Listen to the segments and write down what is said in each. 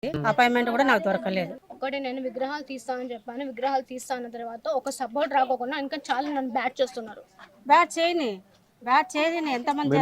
Appointment కూడా నాకు దొరకలేదు. ఒకటి నేను విగ్రహాలు తీస్తానని చెప్పాను. విగ్రహాలు తీస్తా అన్న తర్వాత ఒక సపోర్ట్ రాకోకుండా ఇంకా చాలా నన్ను బ్యాట్ చేస్తున్నారు. బ్యాట్ చేయని ఎంతమంది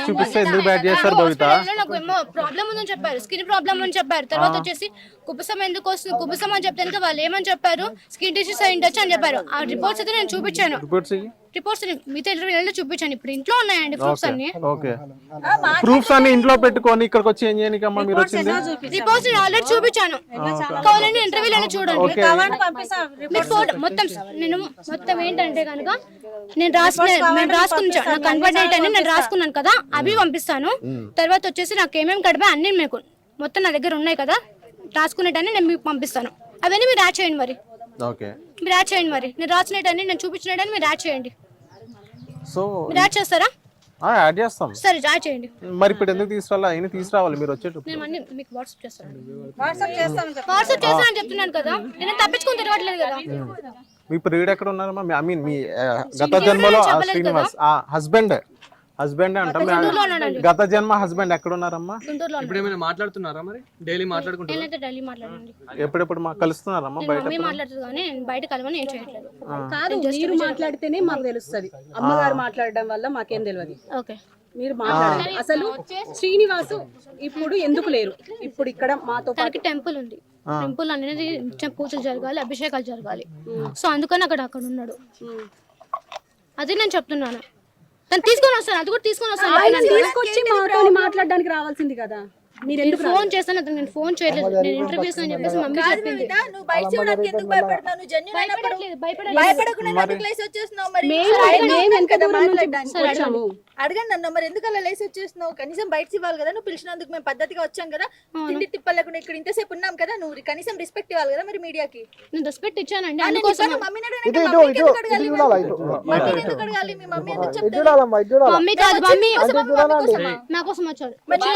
నాకు ఏమో ప్రాబ్లం ఉందని చెప్పారు, స్కిన్ ప్రాబ్లం అని చెప్పారు. తర్వాత వచ్చేసి కుబుసం ఎందుకు వస్తుంది, కుబుసం అని చెప్తే వాళ్ళు ఏమని చెప్పారు, స్కిన్ డిసీజ్ అయి ఉండొచ్చు అని చెప్పారు. ఆ రిపోర్ట్స్ అయితే నేను చూపించాను. రిపోర్ట్స్ మీతో ఇంటర్వ్యూలో చూపించాను. ఇప్పుడు ఇంట్లో ఉన్నాయండి ప్రూఫ్స్ అన్ని. ప్రూఫ్స్ అన్ని ఇంట్లో పెట్టుకొని ఇక్కడికి వచ్చి ఏం చేయడానికి అమ్మా మీరు వచ్చింది? రిపోర్ట్స్ ఆల్రెడీ చూపించాను. కావాలంటే ఇంటర్వ్యూలో చూడండి. మీ ఫోటో మొత్తం నేను మొత్తం ఏంటంటే కనుక నేను రాసుకున్నాను, నాకు కన్వర్ట్ డేట్ అని నేను రాసుకున్నాను కదా, అవి పంపిస్తాను. తర్వాత వచ్చేసి నాకు ఏమేమి గడిపాయి అన్ని మీకు మొత్తం నా దగ్గర ఉన్నాయి కదా, రాసుకునేటన్ని నేను మీకు పంపిస్తాను. అవన్నీ మీరు యాడ్ చేయండి. మరి మీరు యాడ్ చేయండి. మరి నేను రాసినట్టని నేను చూపించినట్టని మీరు యాడ్ చేయండి. సో మీరు యాడ్ చేస్తారా? యాడ్ చేస్తాం. సరే యాడ్ చేయండి. మరి ఇప్పుడు ఎందుకు తీసుకురావాలి మీరు వచ్చేటప్పుడు? నేను అన్ని మీకు వాట్సాప్ చేస్తాను. వాట్సాప్ చేస్తానని చెప్తున్నాను కదా, నేను తప్పించుకొని తిరగట్లేదు కదా. మీ ప్రియుడు ఎక్కడ ఉన్నారమ్మా? ఐ మీన్ మీ గత జన్మలో శ్రీనివాస్ హస్బెండ్ అంటాం, గత జన్మ హస్బెండ్ ఎక్కడ ఉన్నారమ్మా? ఇప్పుడు ఏమైనా మాట్లాడుతున్నారా? మరి డైలీ మాట్లాడుకుంటారా? డైలీ మాట్లాడండి. ఎప్పుడెప్పుడు కలుస్తున్నారమ్మా? బయట మాట్లాడుతుంది కానీ నేను బయట కలవని ఏం చేయట్లేదు. కాదు, మీరు మాట్లాడితేనే మాకు తెలుస్తుంది. అమ్మగారు మాట్లాడడం వల్ల మాకేం తెలియదు. ఓకే, మీరు మాట్లాడాలి. అసలు శ్రీనివాసు ఇప్పుడు ఎందుకు లేరు? ఇప్పుడు ఇక్కడ మాతో పాటు టెంపుల్ ఉంది. టెంపుల్ అనేది పూజలు జరగాలి, అభిషేకాలు జరగాలి. సో అందుకని అక్కడ ఉన్నాడు. అది నేను చెప్తున్నాను. తను తీసుకొని వస్తాను, అది కూడా తీసుకొని వస్తాను. తీసుకొచ్చి మాతో మాట్లాడడానికి రావాల్సింది కదా. మీరు ఎందుకు ఫోన్ చేస్తాను? అతను నేను ఫోన్ చేయలేదు. నేను ఇంటర్వ్యూస్ అని చెప్పేసి మమ్మీ చెప్పింది. అడగండి అన్న, మరి ఎందుకు అలా లేసి వచ్చేస్తున్నావు? కనీసం బయట ఇవ్వాలి కదా. నువ్వు పిలిచినందుకు మేము పద్ధతిగా వచ్చాం కదా, తిండి తిప్పలేకుండా ఇక్కడ ఇంతసేపు ఉన్నాం కదా, నువ్వు కనీసం రెస్పెక్ట్ ఇవ్వాలి కదా. మరి మీడియాకి నేను రెస్పెక్ట్ ఇచ్చానండి. మమ్మీని ఎందుకు అడగాలి? మీ మమ్మీ ఎందుకు చెప్తారు? మమ్మీ కాదు, మమ్మీ నా కోసం వచ్చాడు.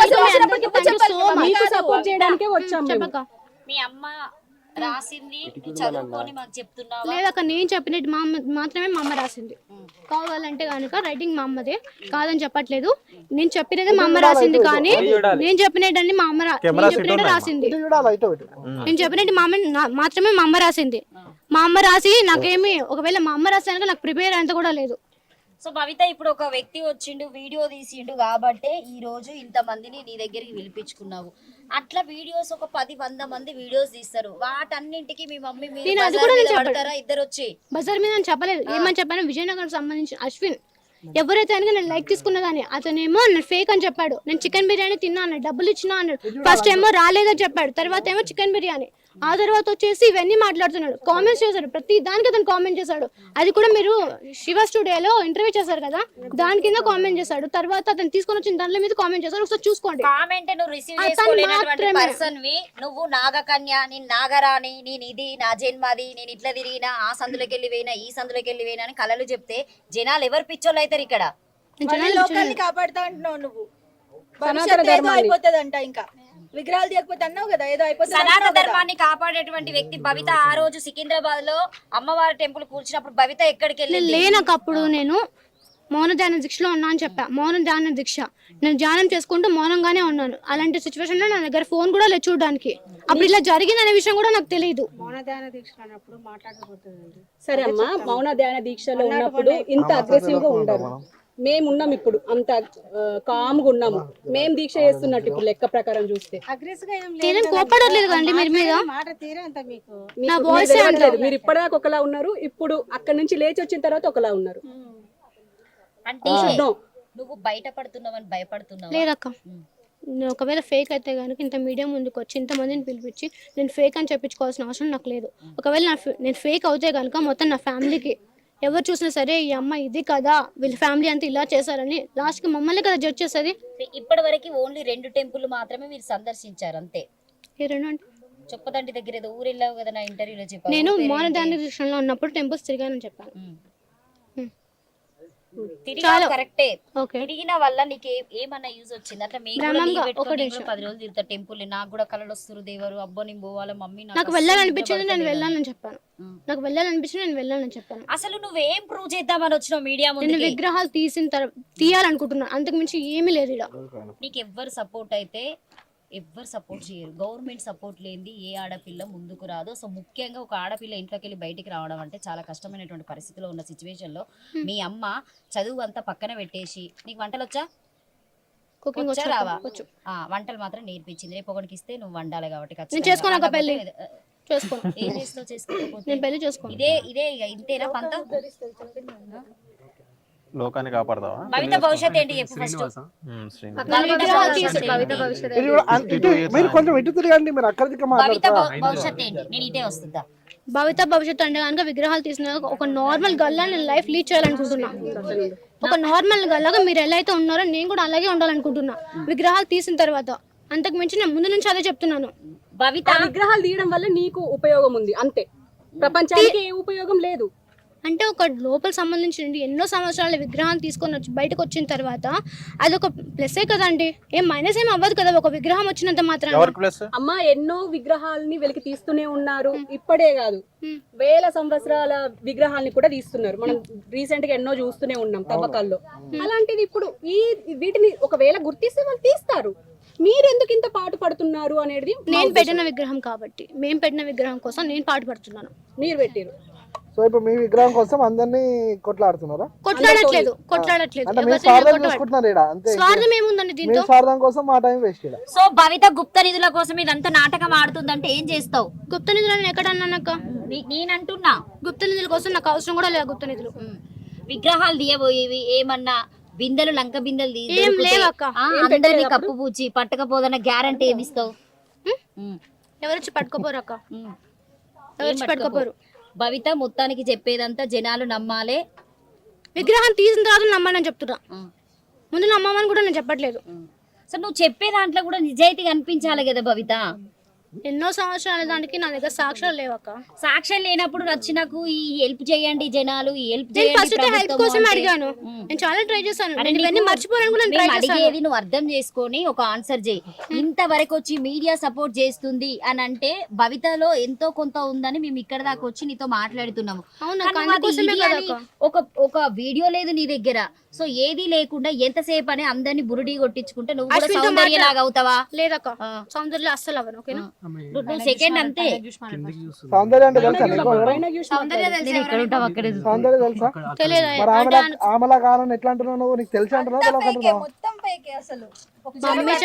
సపోర్ట్ చేయడానికే వచ్చాము. మీ అమ్మ రాసింది చదువుకొని మాకు చెప్తున్నావా? లేదక్క, నేను చెప్పినట్టు మాత్రమే మా అమ్మ రాసింది. కావాలంటే కనుక రైటింగ్ మా అమ్మదే, కాదని చెప్పట్లేదు. నేను చెప్పినదే మా అమ్మ రాసింది, కానీ నేను చెప్పినట్టు మా అమ్మ రాసింది. నేను చెప్పినట్టు మా అమ్మ మాత్రమే మా అమ్మ రాసింది. మా అమ్మ రాసి నాకేమి, ఒకవేళ మా అమ్మ రాసాక నాకు ప్రిపేర్ అంత కూడా లేదు. సో భవిత, ఇప్పుడు ఒక వ్యక్తి వచ్చిండు, వీడియో తీసిండు కాబట్టే ఈ రోజు ఇంత మందిని నీ దగ్గరికి పిలిపించుకున్నావు. అట్లా వీడియోస్ ఒక 10-100 మంది వీడియోస్ తీస్తారు. వాటన్నింటికి మీ మమ్మీ పడతారా? ఇద్దరు వచ్చి బజార్ మీద చెప్పలేదు. ఏమని చెప్పాను? విజయనగరం సంబంధించిన అశ్విన్ ఎవరైతే అని నేను లైక్ తీసుకున్నా కానీ అతనేమో నేను ఫేక్ అని చెప్పాడు. నేను చికెన్ బిర్యానీ తిన్నా అన్నాడు, డబ్బులు ఇచ్చినా అన్నాడు. ఫస్ట్ ఏమో రాలేదని చెప్పాడు, తర్వాత ఏమో చికెన్ బిర్యానీ. ఆ తర్వాత వచ్చేసి ఇవన్నీ మాట్లాడుతున్నాడు. కామెంట్స్ చేశాడు, ప్రతి దానికి అతను కామెంట్ చేశాడు. అది కూడా మీరు శివ స్టూడియోలో ఇంటర్వ్యూ చేశారు కదా, దాని కింద కామెంట్ చేశాడు. తర్వాత అతను తీసుకొని వచ్చిన దాంట్లో మీద కామెంట్ చేశాడు. ఒకసారి చూసుకోండి. కామెంట్ నువ్వు రిసీవ్ చేసుకోలేనటువంటి పర్సన్ వి, నువ్వు నాగకన్య, నేను నాగరాణి, నేను ఇది నా జన్మది, నేను ఇట్లా తిరిగినా, ఆ సందులోకి వెళ్ళి పోయినా, ఈ సందులోకి వెళ్ళి పోయినా అని కలలు చెప్తే జనాలు ఎవరు పిచ్చోళ్ళు అవుతారు? ఇక్కడ లోకాన్ని కాపాడుతా అంటున్నావు నువ్వు. అయిపోతుందంట ఇంకా విగ్రహాలు తీయకపోతే అన్నావు కదా, ఏదో అయిపోతుంది. సనాతన ధర్మాన్ని కాపాడేటువంటి వ్యక్తి భవిత. ఆ రోజు సికింద్రాబాద్ లో అమ్మవారి టెంపుల్ కూర్చున్నప్పుడు భవిత ఎక్కడికి వెళ్ళి లేనప్పుడు నేను మౌన ధ్యాన దీక్షలో ఉన్నా అని చెప్పా. మౌన ధ్యాన దీక్ష నేను ధ్యానం చేసుకుంటూ మౌనంగానే ఉన్నాను. అలాంటి సిచ్యువేషన్ లో నా దగ్గర ఫోన్ కూడా లేదు చూడడానికి. అప్పుడు ఇలా జరిగిందనే విషయం కూడా నాకు తెలియదు. మౌన ధ్యాన దీక్ష అన్నప్పుడు మాట్లాడకపోతుంది. సరే అమ్మా, మౌన ధ్యాన దీక్షలో ఉన్నప్పుడు ఇంత అగ్రెసివ్ గా ఉండరు. మేమున్నాం ఇప్పుడు అంత కామ్గా ఉన్నాము. మేము దీక్ష చేస్తున్నట్టు ఇప్పుడు లెక్క ప్రకారం చూస్తే కోపడలేదు కదండి మీరు మీద. నా వాయిస్ అనలేదు. మీరు ఇప్పటిదాకా ఒకలా ఉన్నారు, ఇప్పుడు అక్కడ నుంచి లేచి వచ్చిన తర్వాత ఒకలా ఉన్నారు. అంటే నువ్వు బయటపడుతున్నావని భయపడుతున్నావు? లేదక్క, ఒకవేళ ఫేక్ అయితే కనుక ఇంత మీడియా ముందుకు వచ్చి ఇంతమందిని పిలిపించి నేను ఫేక్ అని చెప్పించుకోవాల్సిన అవసరం నాకు లేదు. ఒకవేళ నేను ఫేక్ అవుతే కనుక మొత్తం నా ఫ్యామిలీకి ఎవరు చూసినా సరే ఈ అమ్మ ఇది కదా, వీళ్ళ ఫ్యామిలీ అంతా ఇలా చేశారని లాస్ట్ కి మమ్మల్ని కదా జడ్జ్ చేస్తుంది. ఇప్పటి వరకు ఓన్లీ 2 టెంపుల్ మాత్రమే మీరు సందర్శించారు అంతే. ఏ 2 అంటే చొప్పదండి దగ్గర ఏదో ఊరు వెళ్ళావు కదా, నా ఇంటర్వ్యూలో చెప్పాను. నేను మౌన ధ్యాన దీక్షలో ఉన్నప్పుడు టెంపుల్స్ తిరిగానని చెప్పాను. కరెక్టే. తిరిగిన వల్ల నీకు ఏమన్నా యూజ్ వచ్చింది? అంటే 10 రోజులు తిరుగుతా టెంపుల్. నాకు కూడా కళలు వస్తారు, దేవరు అబ్బో నేను పోవాలి మమ్మీ, నాకు వెళ్ళాలనిపించింది, నేను వెళ్ళాలని చెప్పాను. నాకు వెళ్ళాలనిపించింది, నేను వెళ్ళాలని చెప్పాను. అసలు నువ్వేం ప్రూవ్ చేద్దామని వచ్చినావు మీడియా ముందు? నేను విగ్రహాలు తీయాలనుకుంటున్నాను, అంతకు మించి ఏమీ లేదు. నీకు ఎవ్వరు సపోర్ట్ అయితే ఎవ్వరు సపోర్ట్ చేయరు. గవర్నమెంట్ సపోర్ట్ లేనిది ఏ ఆడపిల్ల ముందుకు రాదు. సో ముఖ్యంగా ఒక ఆడపిల్ల ఇంట్లోకి వెళ్ళి బయటికి రావడం అంటే చాలా కష్టమైనటువంటి పరిస్థితిలో ఉన్న సిచ్యువేషన్లో మీ అమ్మ చదువు అంతా పక్కన పెట్టేసి, నీకు వంటలు వచ్చా? కుకింగ్ వచ్చా రావా? వంటలు మాత్రం నేర్పించింది. రేపు ఒకరికి ఇస్తే నువ్వు వండాలి కాబట్టి నేను చేసుకోను పెళ్లి చేసుకోను. ఏం చేస్తావు? చేసుకోకపోతే నేను పెళ్లి చేసుకోను. ఇదే ఇక ఇంతేనా పంత? లోకాన్ని కాపాడతావా? భవిత భవిష్యత్ ఏంటి చెప్పు ఫస్ట్. మీరు కొంచెం ఇటు తిరగండి, మీరు అక్కడ దిక్కు భవిత మాట్లాడతారా? భవిష్యత్ ఏంటి? నేను ఇటే వస్తుందా? భవిత భవిష్యత్తు అంటే కనుక విగ్రహాలు తీసిన ఒక నార్మల్ గల్లా నేను లైఫ్ లీడ్ చేయాలనుకుంటున్నా. ఒక నార్మల్ గల్లాగా మీరు ఎలా అయితే ఉన్నారో నేను కూడా అలాగే ఉండాలనుకుంటున్నా విగ్రహాలు తీసిన తర్వాత. అంతకు మించి నేను ముందు నుంచి అదే చెప్తున్నాను. భవిత విగ్రహాలు తీయడం వల్ల నీకు ఉపయోగం ఉంది అంతే, ప్రపంచానికి ఏ ఉపయోగం లేదు. అంటే ఒక లోపల సంబంధించి ఎన్నో సంవత్సరాల విగ్రహాన్ని తీసుకొని వచ్చి బయటకు వచ్చిన తర్వాత అదొక ప్లస్సే కదండి, ఏం మైనస్ ఏం అవ్వదు కదా ఒక విగ్రహం వచ్చినంత మాత్రం. అమ్మ ఎన్నో విగ్రహాలని వెలికి తీస్తూనే ఉన్నారు, ఇప్పుడే కాదు వేల సంవత్సరాల విగ్రహాలని కూడా తీస్తున్నారు. మనం రీసెంట్ గా ఎన్నో చూస్తూనే ఉన్నాం తవ్వకాల్లో. అలాంటిది ఇప్పుడు వీటిని ఒకవేళ గుర్తిస్తే వాళ్ళు తీస్తారు. మీరు ఎందుకు ఇంత పాటు పడుతున్నారు అనేది నేను పెట్టిన విగ్రహం కాబట్టి, మేము పెట్టిన విగ్రహం కోసం నేను పాటు పడుతున్నాను. మీరు పెట్టారు. సో ఇప్పుడు మీ విగ్రహం కోసం అందరినీ కొట్లాడుతున్నారా? కొట్లాడట్లేదు అంటే మీరు స్వార్థం చూసుకుంటున్నారు ఈడ, అంతే. స్వార్థం ఏముందండి దీంతో? మీ స్వార్థం కోసం మా టైం వేస్ట్ ఈడ. సో భవిత గుప్త నిధుల కోసం ఇదంతా నాటకం ఆడుతుందంటే ఏం చేస్తావు? గుప్త నిధులు నేను ఎక్కడ అన్నానక్క? నేనంటున్నా గుప్త నిధుల కోసం నాకు అవసరం కూడా లేదు. గుప్త నిధులు విగ్రహాలు తీయబోయేవి ఏమన్నా బిందెలు లంక బిందెలు ఏం లేవక్క. అందరినీ కప్పు పూచి పట్టకపోదన్న గ్యారంటీ ఏమిస్తావు? ఎవరొచ్చి పట్టుకోపోరు అక్క, ఎవరొచ్చి పట్టుకోపోరు. భవిత మొత్తానికి చెప్పేదంతా జనాలు నమ్మాలే. విగ్రహం తీసిన తర్వాత నమ్మని చెప్తున్నా, ముందు నమ్మమని కూడా నేను చెప్పట్లేదు. సో నువ్వు చెప్పే దాంట్లో కూడా నిజాయితీ కనిపించాలి కదా భవిత. ఎన్నో సంవత్సరాల దానికి నా దగ్గర సాక్ష్యాలు లేవక్క. సాక్ష్యం లేనప్పుడు వచ్చి నాకు ఈ హెల్ప్ చేయండి జనాలు, ఈ హెల్ప్ నేను ఫస్ట్ హెల్ప్ కోసం అడిగాను. నేను చాలా ట్రై చేశాను, నేను ఇవన్నీ మర్చిపోయాను కూడా నేను ట్రై చేశాను. అడిగేది నువ్వు అర్థం చేసుకొని ఒక ఆన్సర్ చేయి. ఇంతవరకు వచ్చి మీడియా సపోర్ట్ చేస్తుంది అని అంటే భవితలో ఎంతో కొంత ఉందని మేము ఇక్కడ దాకా వచ్చి నీతో మాట్లాడుతున్నాము. ఒక వీడియో లేదు నీ దగ్గర. సో ఏది లేకుండా ఎంతసేపు అని అందరినీ బురుడి కొట్టించుకుంటే నువ్వు కూడా సౌందర్య లాగా అవుతావా? లేదక్క, సౌందర్య అస్సలు అవ్వను. ఓకేనా? నువ్వు సెకండ్ అంతే. సౌందర్య అంటే తెలుసా నీకు? సౌందర్య సౌందర్య తెలుసా? తెలియదు. మరి ఆమెలా కావాలని ఎట్లా అంటున్నావు నువ్వు? నీకు తెలిసి అంటున్నావు తెలియక మొత్తం ఫేక్ అసలు. మమ్మీ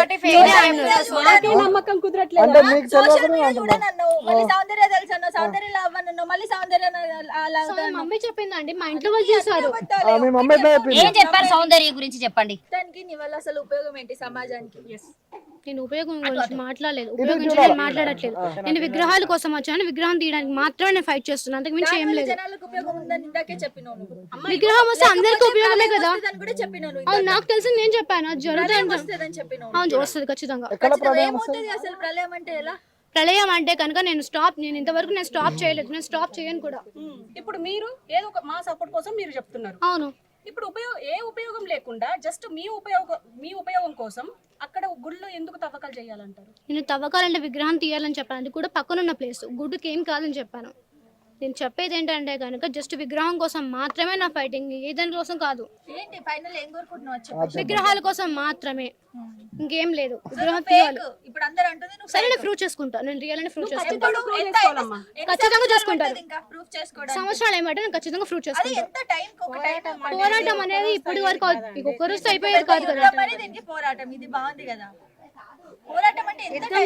నమ్మకం కుదరట్లేదు. అంటే మీకు తెలియదు. మళ్ళీ సౌందర్య తెలుసు అన్నావు, సౌందర్య అవ్వను, మళ్ళీ సౌందర్య మమ్మీ చెప్పిందండి, మా ఇంట్లో వాళ్ళు చేశారు. మీ మమ్మీ ఎట్లా చెప్పింది? ఏం చెప్పారు సౌందర్య గురించి చెప్పండి. దానికి నీ వల్ల అసలు ఉపయోగం ఏంటి సమాజానికి? నేను ఉపయోగం గురించి మాట్లాడలేదు, ఉపయోగం గురించి నేను మాట్లాడట్లేదు. నేను విగ్రహాల కోసం వచ్చాను, విగ్రహం తీయడానికి మాత్రమే నేను ఫైట్ చేస్తున్నాను, అంతకు మించి ఏం లేదు. జనాలకు ఉపయోగం ఉందని ఇందాకే చెప్పినావు నువ్వు. విగ్రహం వస్తే అందరికీ ఉపయోగమే కదా. అని కూడా చెప్పినావు నువ్వు. అవును, నాకు తెలిసి నేను చెప్పాను అది జరుగుతుంది. వస్తుందని చెప్పినావు. అవును, వస్తుంది ఖచ్చితంగా. ఏమవుతుంది అసలు ప్రళయం అంటే? ఎలా ప్రళయం అంటే కనుక నేను ఇంతవరకు నేను స్టాప్ చేయలేదు, నేను స్టాప్ చేయను కూడా. ఇప్పుడు మీరు ఏదో ఒక మా సపోర్ట్ కోసం మీరు చెప్తున్నారు. అవును, ఇప్పుడు ఏ ఉపయోగం లేకుండా జస్ట్ మీ ఉపయోగం కోసం అక్కడ గుళ్ళు ఎందుకు తవ్వకాలు చేయాలంటారు? నేను తవ్వకాలంటే విగ్రహం తీయాలని చెప్పాను, అది కూడా పక్కనున్న ప్లేస్, గుడ్డుకి ఏం కాదని చెప్పాను. నేను చెప్పేది ఏంటంటే కనుక జస్ట్ విగ్రహం కోసం మాత్రమే నా ఫైటింగ్, ఏ దాని కోసం కాదు. ఏంటి ఫైనల్ ఏం కోరుకుంటున్నావు? విగ్రహాల కోసం మాత్రమే, ఇంకేం లేదు. విగ్రహం తీయాలి. ఇప్పుడు అందరూ అంటుంది నువ్వు సరే, నేను ప్రూవ్ చేసుకుంటా, నేను రియల్ అని ప్రూవ్ చేసుకుంటా, చేసుకోవాలమ్మా. ఖచ్చితంగా చేసుకుంటాను. ఇంకా ప్రూఫ్ చేసుకోవడానికి సంవత్సరాలు ఏమంటే నేను ఖచ్చితంగా ప్రూవ్ చేసుకుంటా. ఎంత టైం ఒక టైం పోరాటం అనేది ఇప్పటి వరకు ఒక్క రోజు అయిపోయేది కాదు కదా. దీనికి పోరాటం ఇది బాగుంది కదా. పోరాటం అంటే యుద్ధం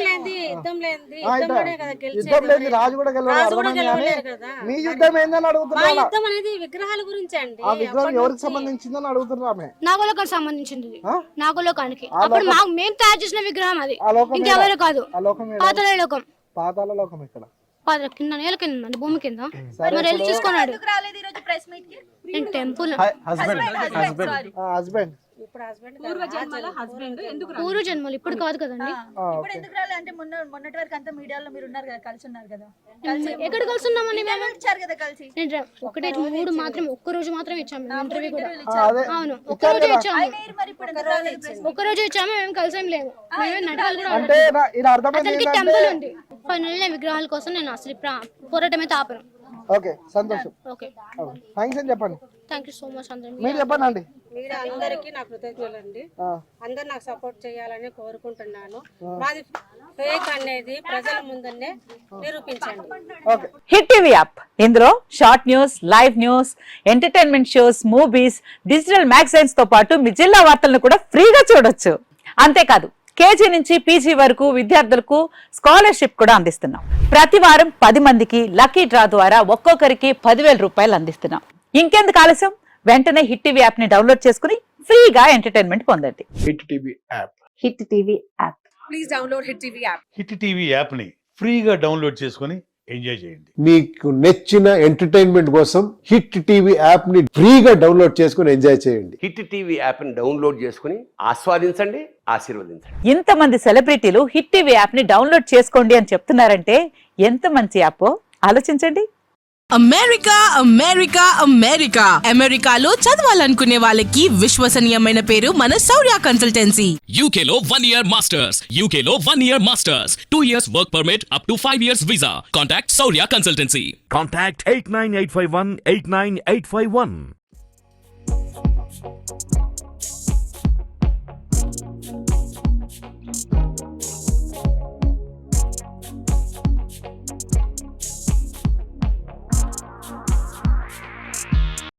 లేదు, రాజు కూడా మీ యుద్ధం ఏందని అడుగుతున్నా. విగ్రహాల గురించి అండి. ఆ విగ్రహం ఎవరికి సంబంధించిందని అడుగుతున్నారు ఆమె. నాగలోకానికి సంబంధించింది, నాగలోకానికి. అప్పుడు మేము తయారు చేసిన విగ్రహం అది, ఇంకెవరు కాదు. పాతాళ లోకం. పాతాళ లోకం ఇక్కడ కింద నేల కింద భూమి కింద. మరి వెళ్ళి చూసుకున్నాడు. రాలేదు ఈ రోజు ప్రెస్ మీట్ కి. నేను టెంపుల్ హస్బెండ్ పూర్వ జన్మలు ఇప్పుడు కాదు కదండి. ఇప్పుడు ఎందుకు రాలేదు అంటే మొన్నటి వరకు అంతా మీడియాలో మీరు ఉన్నారు కదా, కలిసి ఉన్నారు కదా. ఎక్కడ కలిసి ఉన్నామని మేము ఇచ్చారు కదా కలిసి. నేను ఒకటే 3 మాత్రం ఒక్క రోజు మాత్రం ఇచ్చాము ఇంటర్వ్యూ కూడా. అవును, ఒక్క రోజు ఇచ్చాము, మరి ఇప్పుడు ఎందుకు రాలేదు? ఒక్క రోజు ఇచ్చాము. మేము కలిసి ఏం లేము, మేమే నటకాలు కూడా. అంటే ఇది అర్థమైంది అతనికి టెంపుల్ ఉంది. ఫైనల్ విగ్రహాల కోసం నేను అసలు పోరాటం అయితే ఆపను. ఓకే సంతోషం. ఓకే థ్యాంక్స్ అని చెప్పండి. థ్యాంక్ యూ సో మచ్ అందరం. మీరు చెప్పండి అండి. మీడియా అందరికీ నా కృతజ్ఞతలండి. అందరు నాకు సపోర్ట్ చేయాలని కోరుకుంటున్నాను. మాది ఫేక్ అనేది ప్రజల ముందనే నిరూపించండి. ఓకే. హిట్ టీవీ యాప్ ఇందులో short news, live news, entertainment shows, movies, digital magazines తో పాటు మీ జిల్లా వార్తలను కూడా ఫ్రీగా చూడొచ్చు. అంతేకాదు కేజీ నుంచి పీజీ వరకు విద్యార్థులకు స్కాలర్షిప్ కూడా అందిస్తున్నాం. ప్రతి వారం 10 మందికి లక్కీ డ్రా ద్వారా ఒక్కొక్కరికి 10,000 రూపాయలు అందిస్తున్నాం. ఇంకెందుకు ఆలస్యం, వెంటనే హిట్ టీవీ యాప్ ని డౌన్లోడ్ చేసుకుని ఫ్రీగా ఎంటర్టైన్మెంట్ పొందండి. Hit TV app. Hit TV app. Please download Hit TV app. Hit TV app ని ఫ్రీగా డౌన్లోడ్ చేసుకొని ఎంజాయ్ చేయండి. మీకు నచ్చిన ఎంటర్టైన్మెంట్ కోసం హిట్ టీవీ యాప్ ని ఫ్రీగా డౌన్లోడ్ చేసుకుని ఎంజాయ్ చేయండి. హిట్ టీవీ యాప్ ని డౌన్లోడ్ చేసుకుని ఆస్వాదించండి, ఆశీర్వదించండి. ఇంతమంది సెలబ్రిటీలు హిట్ టీవీ యాప్ ని డౌన్లోడ్ చేసుకోండి అని చెప్తున్నారంటే ఎంత మంచి యాప్ ఆలోచించండి. అమెరికా అమెరికా అమెరికా అమెరికాలో చదవాలనుకునే వాళ్ళకి విశ్వసనీయమైన పేరు మన శౌర్య కన్సల్టెన్సీ. UK లో 1 year masters, UK లో 1 year masters, 2 years work permit up to 5 years visa. Contact Saurya Consultancy. Contact 89851 89851.